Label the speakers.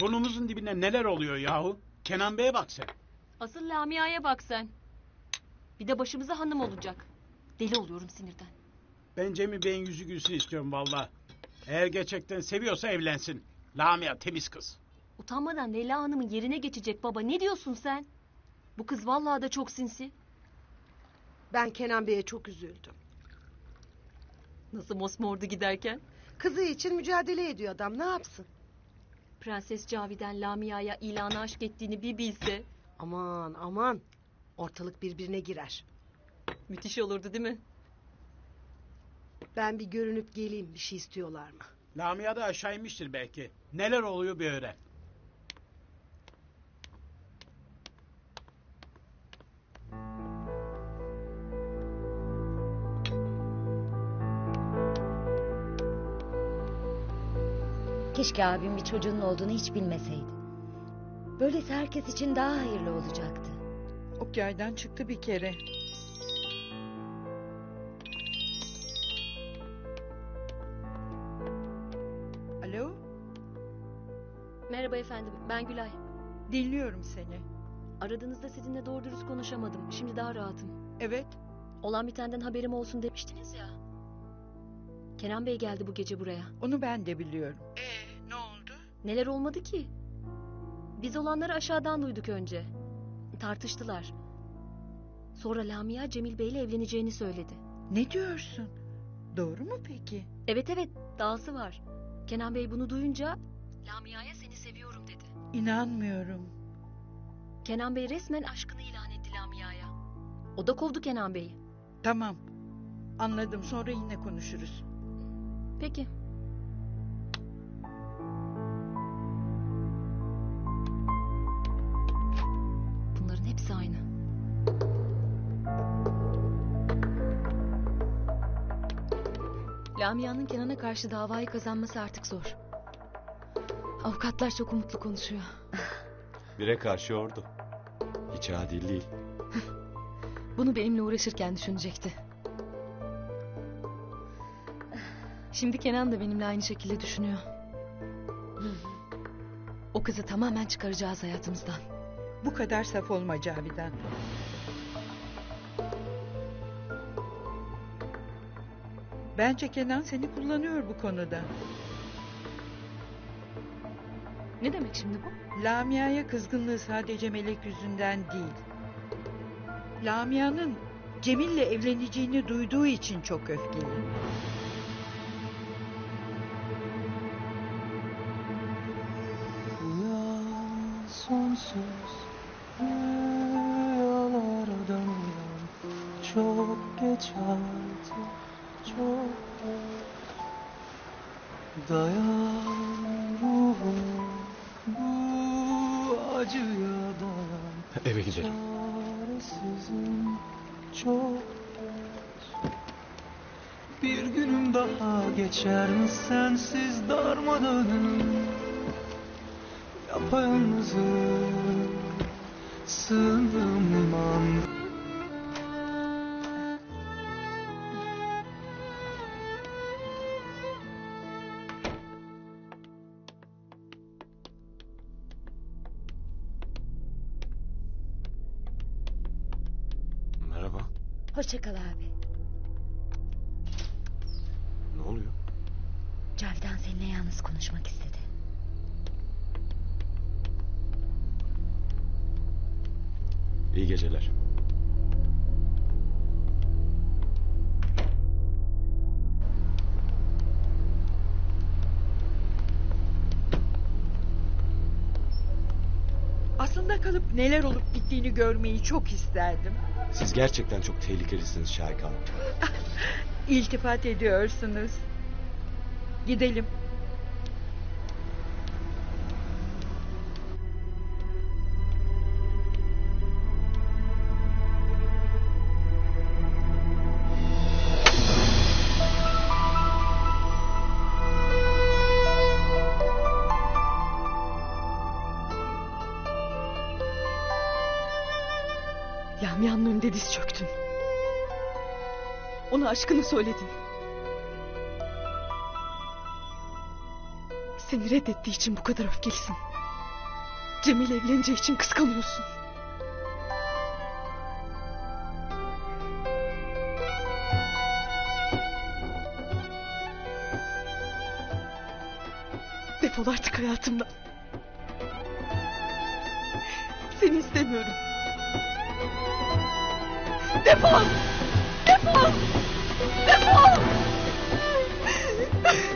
Speaker 1: Burnumuzun dibinde neler oluyor yahu? Kenan Bey'e bak sen.
Speaker 2: Asıl Lamia'ya bak sen. Bir de başımıza hanım olacak. Deli oluyorum sinirden.
Speaker 1: Ben Cemil Bey'in yüzü gülsün istiyorum vallahi. Eğer gerçekten seviyorsa evlensin. Lamia temiz kız.
Speaker 2: Utanmadan Leyla Hanım'ın yerine geçecek baba. Ne diyorsun sen? Bu kız vallahi da çok sinsi.
Speaker 3: Ben Kenan Bey'e çok üzüldüm.
Speaker 2: Nasıl mosmordu giderken?
Speaker 3: Kızı için mücadele ediyor adam, ne yapsın?
Speaker 2: Prenses Cavi'den Lamia'ya ilanı aşk ettiğini bir bilse.
Speaker 3: Aman aman, ortalık birbirine girer.
Speaker 2: Müthiş olurdu değil mi?
Speaker 3: Ben bir görünüp geleyim, bir şey istiyorlar mı?
Speaker 1: Lamia da aşağı inmiştir belki. Neler oluyor bir öğren.
Speaker 4: Keşke abim bir çocuğunun olduğunu hiç bilmeseydi. Böylesi herkes için daha hayırlı olacaktı.
Speaker 5: Ok yaydan çıktı bir kere. Alo,
Speaker 2: Merhaba efendim, ben Gülay.
Speaker 5: dinliyorum seni.
Speaker 2: Aradığınızda sizinle doğru dürüst konuşamadım. Şimdi daha rahatım.
Speaker 5: Evet,
Speaker 2: Olan bitenden haberim olsun demiştiniz ya. Kenan Bey geldi bu gece buraya.
Speaker 5: onu ben de biliyorum. Ne oldu?
Speaker 2: Neler olmadı ki? Biz olanları aşağıdan duyduk önce. Tartıştılar. Sonra Lamia Cemil Bey'le evleneceğini söyledi.
Speaker 5: Ne diyorsun? Doğru mu peki?
Speaker 2: Evet evet, dahası var. Kenan Bey bunu duyunca Lamia'ya seni seviyorum dedi.
Speaker 5: İnanmıyorum.
Speaker 2: Kenan Bey resmen aşkını ilan etti Lamia'ya. O da kovdu Kenan Bey'i.
Speaker 5: Tamam, anladım. Sonra yine konuşuruz.
Speaker 2: Peki. Bunların hepsi aynı. Lamia'nın Kenan'a karşı davayı kazanması artık zor. Avukatlar çok umutlu konuşuyor.
Speaker 6: Bire karşı ordu. Hiç adil değil.
Speaker 2: Bunu benimle uğraşırken düşünecekti. Şimdi Kenan da benimle aynı şekilde düşünüyor. O kızı tamamen çıkaracağız hayatımızdan.
Speaker 5: Bu kadar saf olma Cavidan. Bence Kenan seni kullanıyor bu konuda.
Speaker 2: Ne demek şimdi bu?
Speaker 5: Lamia'ya kızgınlığı sadece Melek yüzünden değil. Lamia'nın Cemil'le evleneceğini duyduğu için çok öfkeli.
Speaker 6: Uyan sonsuz rüyalardan uyan. Çok geç artık, çok geç. Dayan ruhum, bu acıya dayan. Eve gidelim. Çaresizim, çok geç. Bir günüm daha geçer mi sensiz darmadağınım? Yapayalnızım, sığındığım liman. Merhaba,
Speaker 4: Hoşça kal abi.
Speaker 6: ne oluyor?
Speaker 4: Cavidan seninle yalnız konuşmak istedi.
Speaker 6: İyi geceler.
Speaker 5: Aslında kalıp neler olup bittiğini görmeyi çok isterdim.
Speaker 6: Siz gerçekten çok tehlikelisiniz Şahika Hanım.
Speaker 5: İltifat ediyorsunuz. Gidelim.
Speaker 2: Lamia'nın önünde diz çöktün. Ona aşkını söyledin. Seni reddettiği için bu kadar öfkelisin.
Speaker 5: Cemil evleneceği için kıskanıyorsun. Defol artık hayatımdan. Seni istemiyorum. Defol! Defol! Defol!